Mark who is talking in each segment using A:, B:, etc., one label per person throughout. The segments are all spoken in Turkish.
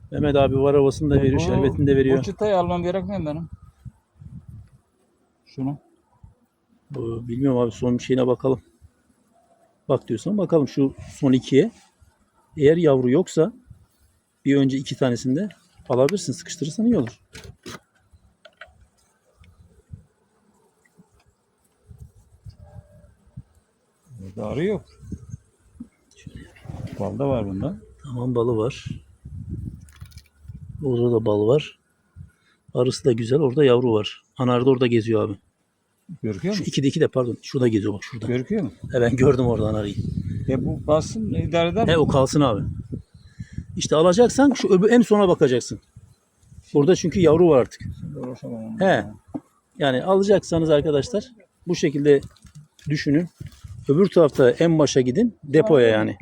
A: Mehmet abi var havasını da veriyor, şerbetini de veriyor.
B: Bu çıtayı almam gerekmiyor benim. Şunu.
A: Bilmiyorum abi, son bir şeyine bakalım. Bak diyorsan bakalım şu son ikiye. Eğer yavru yoksa bir önce iki tanesinde alabilirsin. Sıkıştırırsan iyi olur.
B: Burada arı yok. Bal da var bunda.
A: Tamam, balı var. Orada da bal var. Arısı da güzel. Orada yavru var. Anar da orada geziyor abi.
B: Görüküyor
A: Şu
B: mu?
A: ikide pardon. Şurada geziyor bak, şurada.
B: Görüküyor mu?
A: Ben gördüm orada anarıyı.
B: Bu bassın idare eder mi?
A: O kalsın abi. İşte alacaksan şu en sona bakacaksın. Orada çünkü yavru var artık. He. Yani alacaksanız arkadaşlar bu şekilde düşünün. Öbür tarafta en başa gidin. Depoya yani.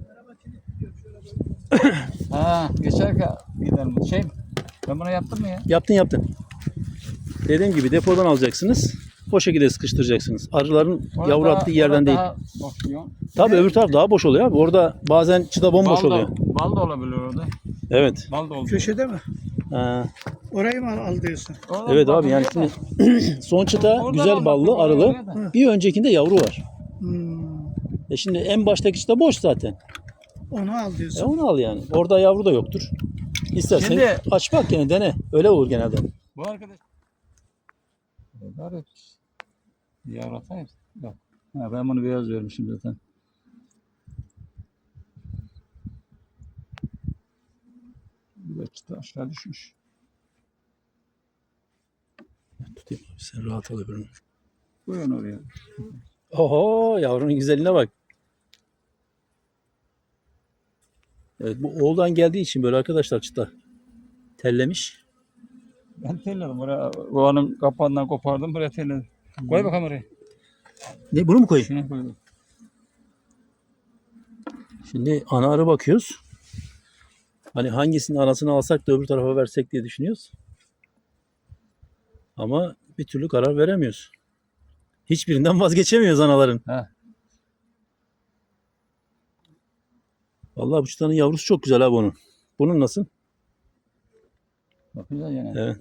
B: Geçerken gidelim. Ben bunu yaptım mı ya?
A: Yaptın. Dediğim gibi depodan alacaksınız. O şekilde sıkıştıracaksınız. Arıların yavru attığı yerden değil. Tabii öbür taraf daha boş oluyor abi. Orada bazen çıta bomboş oluyor.
B: Bal da olabilir orada.
A: Evet.
B: Bal da olabilir.
C: Köşede mi?
A: Ha.
C: Orayı mı al diyorsun?
A: Evet abi, yani şimdi son çıta
B: Oradan
A: güzel
B: almak
A: ballı,
B: oraya
A: arılı.
B: da.
A: Bir öncekinde yavru var.
C: Hmm.
A: Şimdi en baştaki çıta boş zaten.
C: Onu al diyorsun.
A: Onu al yani. Orada yavru da yoktur. İstersen
B: Şimdi-
A: aç bak gene dene. Öyle olur genelde.
B: Bu arkadaş. Arı. Yavru atayım. Bak. Ben bunu beyaz vermişim zaten. Bir de çıta aşağı düşmüş.
A: Tutayım abi, sen rahat al öbürünü.
B: Koyun oraya.
A: Oho, yavrunun güzelliğine bak. Evet, bu oğuldan geldiği için böyle arkadaşlar çıta tellemiş.
B: Ben telledim oraya. Kovanın kapağından kopardım buraya telledim. Koy bakalım oraya.
A: Ne, bunu mu koyayım?
B: Şuna koy.
A: Şimdi ana arı bakıyoruz. Hani hangisinin anasını alsak da öbür tarafa versek diye düşünüyoruz. Ama bir türlü karar veremiyoruz. Hiçbirinden vazgeçemiyoruz anaların.
B: He.
A: Vallahi bu çıtanın yavrusu çok güzel abi onun. Bunun nasıl?
B: Bakacağız yani.
A: Evet.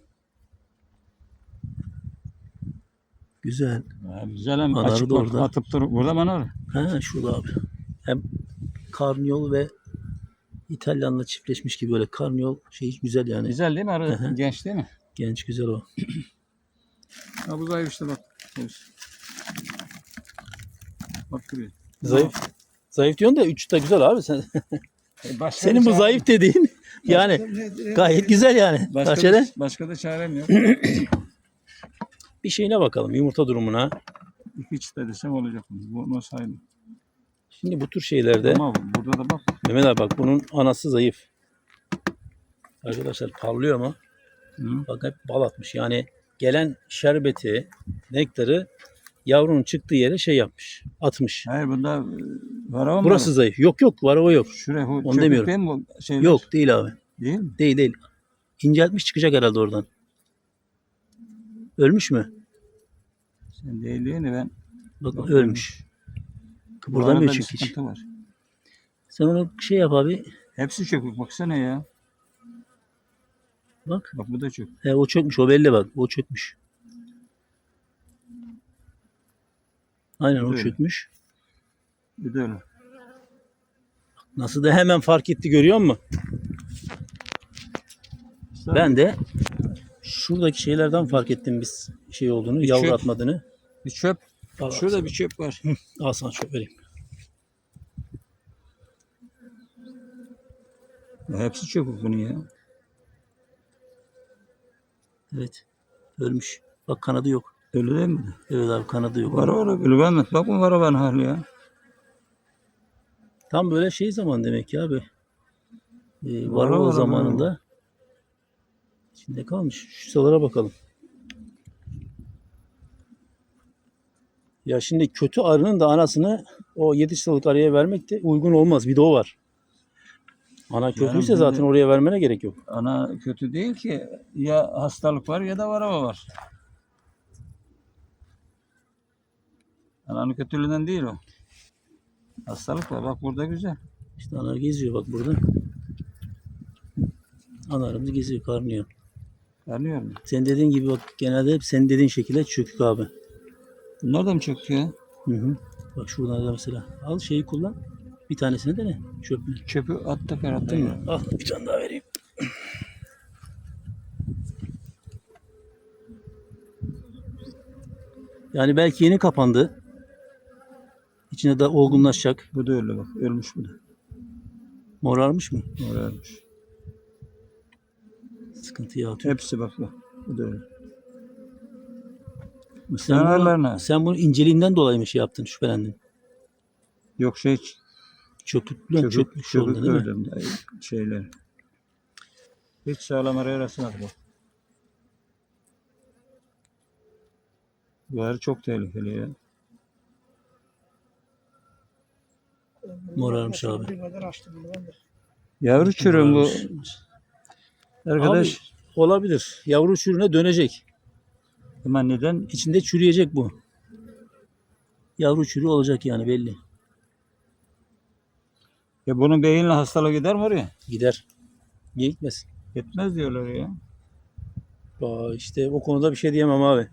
A: Güzel.
B: Güzel hem
A: Anarı
B: açık
A: da
B: bak,
A: orada.
B: atıp dur. Burada mı anar?
A: Ha, şurada abi. Hem karnıyol ve İtalyanla çiftleşmiş gibi böyle karnıyol güzel yani.
B: Güzel değil mi arı?
A: Hı hı.
B: Genç değil mi?
A: Genç, güzel o.
B: Ha bu zayıf işte bak. Bak buraya.
A: Zayıf. Zayıf diyorsun da 3 de güzel abi sen.
B: Başka
A: Senin
B: da
A: bu
B: çare-
A: zayıf dediğin yani gayet güzel yani.
B: Başka da çarem yok.
A: Bir şeyine bakalım, yumurta durumuna.
B: Hiç de desem olacak. Bu nasıl aynı?
A: Şimdi bu tür şeylerde
B: Ama burada da bak.
A: Mehmet abi bak, bunun anası zayıf. Arkadaşlar parlıyor mu?
B: Hı.
A: Bak hep bal atmış. Yani gelen şerbeti, nektarı yavrunun çıktığı yere yapmış. Atmış.
B: Hayır bunda varava mı?
A: Burası zayıf. Yok varava yok.
B: Şuraya bu
A: Onu
B: çöplük
A: demiyorum.
B: değil mi bu şeyler?
A: Yok değil abi.
B: Değil mi?
A: Değil. İnceltmiş, çıkacak herhalde oradan. Ölmüş mü?
B: Sen değil değil mi? Ben
A: Bak
B: Yok,
A: ölmüş.
B: bu
A: Kıpırdamıyor
B: arada bir
A: çünkü hiç.
B: sıkıntı var.
A: Sen onu yap abi.
B: Hepsi çökük baksana ya.
A: Bak.
B: Bak bu da çök.
A: O çökmüş. O belli bak. O çökmüş. Aynen o
B: Öyle.
A: çökmüş.
B: Bir de öyle.
A: Nasıl da hemen fark etti, görüyor musun? Ben de şuradaki şeylerden fark ettim biz olduğunu, yavru
B: çöp.
A: atmadığını.
B: Bir çöp.
A: Al,
B: Şurada bir çöp var.
A: al sana çöp vereyim.
B: Hepsi çökük bunun ya.
A: Evet. Ölmüş. Bak kanadı yok.
B: Öyle değil mi?
A: Evet abi, kanadı yok.
B: Var öyle. Ben bak bu var ben hali ya.
A: Tam böyle zaman demek ki abi.
B: Var
A: Var o
B: var,
A: zamanında. İçinde kalmış. Şu sıralara bakalım. Ya şimdi kötü arının da anasını o 7 sıralık arıya vermek de uygun olmaz. Bir de o var. Ana kötüyse
B: şimdi-
A: zaten oraya vermene gerek yok.
B: Ana kötü değil ki. Ya hastalık var ya da varava var. Ananın kötülüğünden değil o. Hastalık var. Bak burada güzel.
A: İşte ana geziyor bak burada. Analarımız geziyor, karnıyor.
B: Anlıyor musun?
A: Senin dediğin gibi bak, genelde hep senin dediğin şekilde çökük abi.
B: Bunlar da mı çöktü ya?
A: Hı hı. Bak şuradan da mesela. Al şeyi kullan. Bir tanesini dene. Çöplü.
B: Çöpü attık herhalde
A: Değil mi?
B: ya.
A: Al bir tane daha vereyim. Yani belki yeni kapandı. İçine de olgunlaşacak.
B: Bu da öyle bak. Ölmüş bu da.
A: Morarmış mı?
B: Morarmış.
A: Sıkıntıya atıyor.
B: Hepsi bak bak. Bu da öyle.
A: Sen bunu,
B: Kenarlarına.
A: sen bunu inceliğinden dolayı mı şey yaptın, şüphelendin?
B: Yok şey
A: Çökmüş oldu değil mi?
B: gördüm. Şeyler. Hiç sağlam araya rastlamadı bak. Bu arı çok tehlikeli ya.
A: Morarmış abi.
C: Bir kadar açtım bunu ben de.
B: Yavru çürüm bu.
A: Morarmış.
B: Arkadaş.
A: Abi, olabilir. Yavru çürüğüne dönecek.
B: Ama neden?
A: İçinde çürüyecek bu. Yavru çürüğü olacak yani belli.
B: Ya bunun beyinle hastalığı gider mi oraya?
A: Gider. Niye gitmesin?
B: Gitmez diyorlar ya.
A: Aa, işte o konuda bir şey diyemem abi.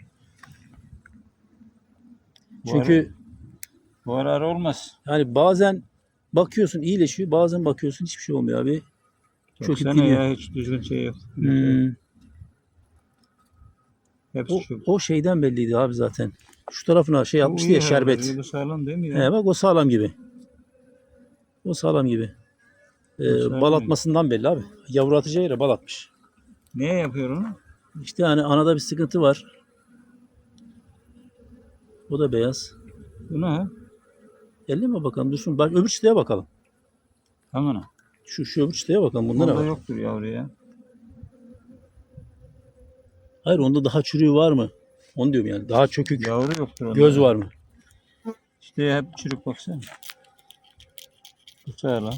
B: Bu
A: Çünkü
B: Bu arı olmaz.
A: yani bazen bakıyorsun iyileşiyor, bazen bakıyorsun hiçbir şey olmuyor abi. Çöküp
B: Baksana
A: gidiyor.
B: ya hiç düzgün şey yok.
A: Hmm.
B: Hepsi şu.
A: O şeyden belliydi abi zaten. Şu tarafına şey yapmıştı ya, şerbet.
B: Bu sağlam değil mi ya?
A: He, bak o sağlam gibi. O sağlam gibi.
B: sağlam
A: Bal
B: gibi.
A: atmasından belli abi. Yavru atacağı yere bal atmış.
B: Niye yapıyor onu?
A: İşte yani anada bir sıkıntı var. O da beyaz.
B: Bu ne ha?
A: Elleme bakalım dursun. Bak öbür çıtaya bakalım.
B: Hemen.
A: Şu öbür çıtaya bakalım. Bunda ne
B: Bunda
A: var?
B: yoktur yavru ya.
A: Hayır, onda daha çürüğü var mı? Onu diyorum yani. Daha çökük.
B: Yavru yoktur onda.
A: Göz var mı?
B: İşte hep çürük baksana. Bu sağlam.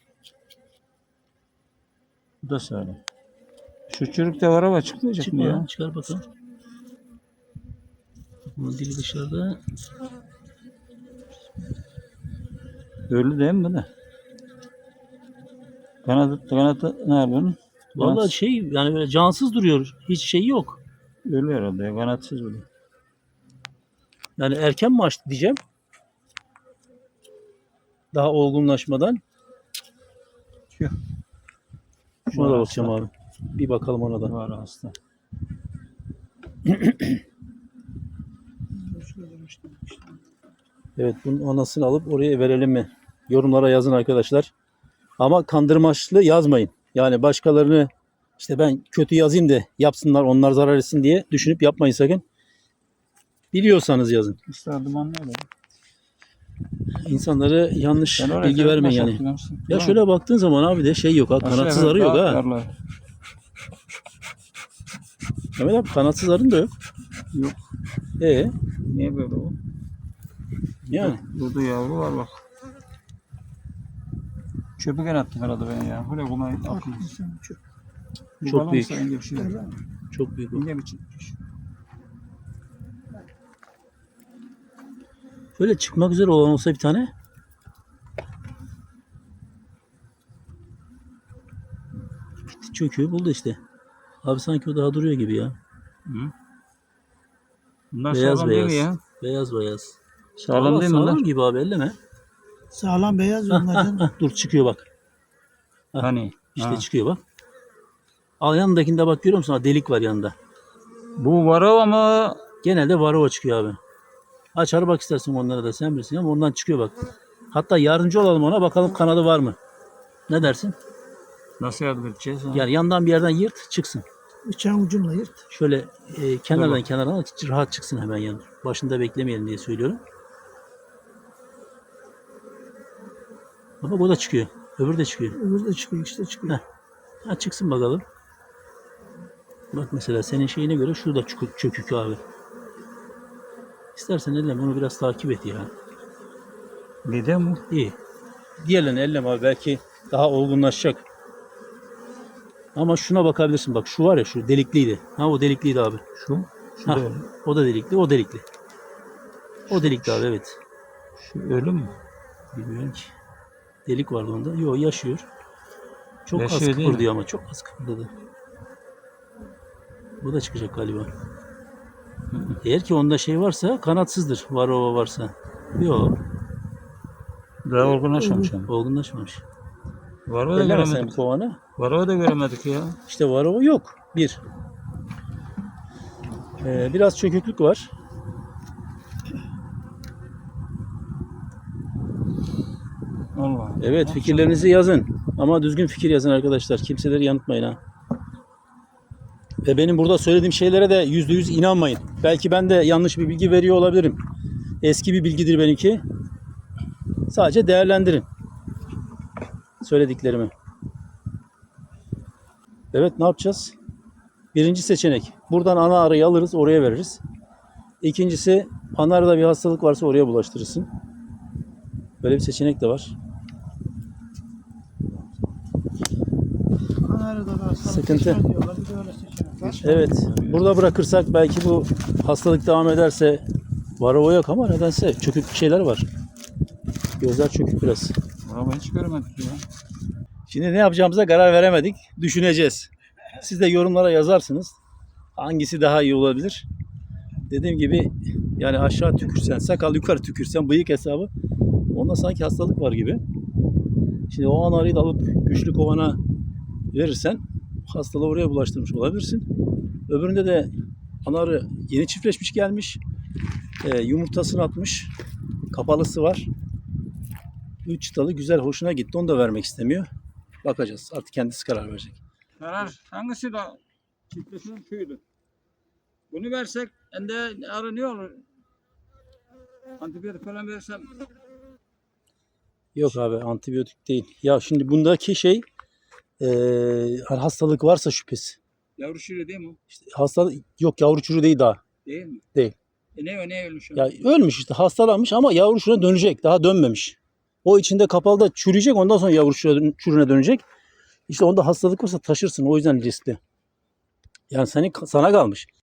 B: Bu da sağlam. Şu çürük de var ama çıkmayacak mı
A: Çıkma
B: ya?
A: çıkar bakalım. Bunun dili dışarıda.
B: Ölü değil mi bu da? Kanadı ne yapıyorsun?
A: Vallahi şey yani böyle cansız duruyor. Hiç şey yok.
B: Ölü herhalde ya. Kanatsız bu da.
A: Yani erken mi açtı diyeceğim. Daha olgunlaşmadan.
B: Tüh.
A: Şuna da
B: Var
A: bakacağım
B: hasta.
A: abi. Bir bakalım ona da.
B: Var hasta.
A: Evet, bunun anasını alıp oraya verelim mi? Yorumlara yazın arkadaşlar. Ama kandırmaçlı yazmayın. Yani başkalarını işte ben kötü yazayım da yapsınlar, onlar zarar etsin diye düşünüp yapmayın sakın. Biliyorsanız yazın.
B: İşte dumanlı öyle.
A: İnsanlara yanlış
B: Ben oraya
A: bilgi
B: telefon
A: vermeyin yani.
B: başlattım yoksa.
A: Ya
B: Tamam.
A: şöyle baktığın zaman abi de şey yok ha, kanatsız
B: Aşağı
A: arı yok
B: daha
A: ha.
B: darlar.
A: Mehmet abi, kanatsız arın da yok.
B: Yok.
A: Niye
B: böyle o?
A: Yani
B: Burada yavru var bak. Çöpü gene attım herhalde ben ya. Bu ne kumay attım.
A: Çok büyük.
B: İnce bir şey.
A: çok büyük o.
B: İnce bir çıkmış.
A: Böyle çıkmak üzere olan olsa bir tane. Gitti, çöküyor buldu işte. Abi sanki o daha duruyor gibi ya.
B: Hı. Bunlar
A: Beyaz
B: sağlam değil
A: beyaz.
B: mi ya?
A: Beyaz beyaz.
B: Sağlam
A: Valla
B: değil mi bunlar?
A: sağlam gibi abi, elleme.
C: Sağlam beyaz yollardan.
A: Dur çıkıyor bak.
B: Hani?
A: İşte
B: Ha.
A: çıkıyor bak. Al yanındakinde bak, görüyor musun? Ha, delik var yanında.
B: Bu varava ama
A: Genelde varova çıkıyor abi. Açar bak istersen onlara da, sen bilirsin ama ondan çıkıyor bak. Hatta yardımcı olalım ona, bakalım kanadı var mı? Ne dersin?
B: nasıl yardım edeceğiz? Ha?
A: Yani yandan bir yerden yırt çıksın.
C: Bıçağın ucumla yırt.
A: Şöyle kenardan
B: Tamam.
A: kenardan rahat çıksın hemen yani. Başında beklemeyelim diye söylüyorum. Ama o da çıkıyor. Öbürü de çıkıyor.
C: Öbürü de çıkıyor, işte çıkıyor.
A: Ha, çıksın bakalım. Bak mesela senin şeyine göre şurada çökük abi. İstersen elleme, onu biraz takip et ya.
B: Neden bu?
A: İyi. Diğerlerini elleme abi, belki daha olgunlaşacak. Ama şuna bakabilirsin, bak şu var ya, şu delikliydi. Ha, o delikliydi abi.
B: Şu? Şu
A: Ha,
B: da öyle.
A: o da delikli, o delikli. O delikli abi, evet.
B: Şu ölü mü?
A: Bilmiyorum ki. Delik vardı onda. Yok, yaşıyor. Çok az
B: Yaşıyor değil mi?
A: kıpırdıyor ama çok az kıpırdadı. Bu da çıkacak galiba. Eğer ki onda şey varsa kanatsızdır. Varroa varsa. Yok.
B: Daha olgunlaşmamış ama.
A: Olgunlaşmamış.
B: Varroa da
A: Elleme sen bu
B: göremedik.
A: kovanı.
B: Varroa da göremedik ya.
A: İşte varroa yok. Bir. Biraz çöküklük var.
B: Allah.
A: Evet, fikirlerinizi yazın. Ama düzgün fikir yazın arkadaşlar. Kimseleri yanıltmayın ha. Ve benim burada söylediğim şeylere de %100 inanmayın. Belki ben de yanlış bir bilgi veriyor olabilirim. Eski bir bilgidir benimki. Sadece değerlendirin söylediklerimi. Evet, ne yapacağız? Birinci seçenek. Buradan ana arıyı alırız, oraya veririz. İkincisi, ana arıda bir hastalık varsa oraya bulaştırırsın. Böyle bir seçenek de var.
C: Anarada da hastalık
A: Sıkıntı.
C: geçmez diyorlar. Bir de öyle seçenek var.
A: Evet, burada bırakırsak belki bu hastalık devam ederse varroa yok ama nedense çökük şeyler var. Gözler çökük biraz.
B: Varroa hiç göremedik ya.
A: Şimdi ne yapacağımıza karar veremedik. Düşüneceğiz. Siz de yorumlara yazarsınız. Hangisi daha iyi olabilir? Dediğim gibi yani aşağı tükürsen, sakal yukarı tükürsen, bıyık hesabı onda sanki hastalık var gibi. Şimdi o an arıyı da alıp güçlü kovana verirsen hastalığı oraya bulaştırmış olabilirsin. Öbüründe de ana arı yeni çiftleşmiş gelmiş. Yumurtasını atmış. Kapalısı var. 3 çıtalı güzel hoşuna gitti. Onu da vermek istemiyor. Bakacağız. Artık kendisi karar verecek.
B: Karar hangisi de çiftleşen şuydu. Bunu versek ende arı ne olur? Antibiyotik falan versem
A: Yok abi antibiyotik değil. Ya şimdi bundaki şey hastalık varsa şüphesi.
B: yavru şire değil mi o?
A: İşte hastalık yok yavru çürü değil daha.
B: Değil mi?
A: Değil.
B: Ne ölmüş o?
A: Ya ölmüş işte hastalanmış ama yavru çürüne dönecek. Daha dönmemiş. O içinde kapalı da çürüyecek ondan sonra yavru çürüne dönecek. İşte onda hastalık varsa taşırsın o yüzden riskli. Yani sana kalmış.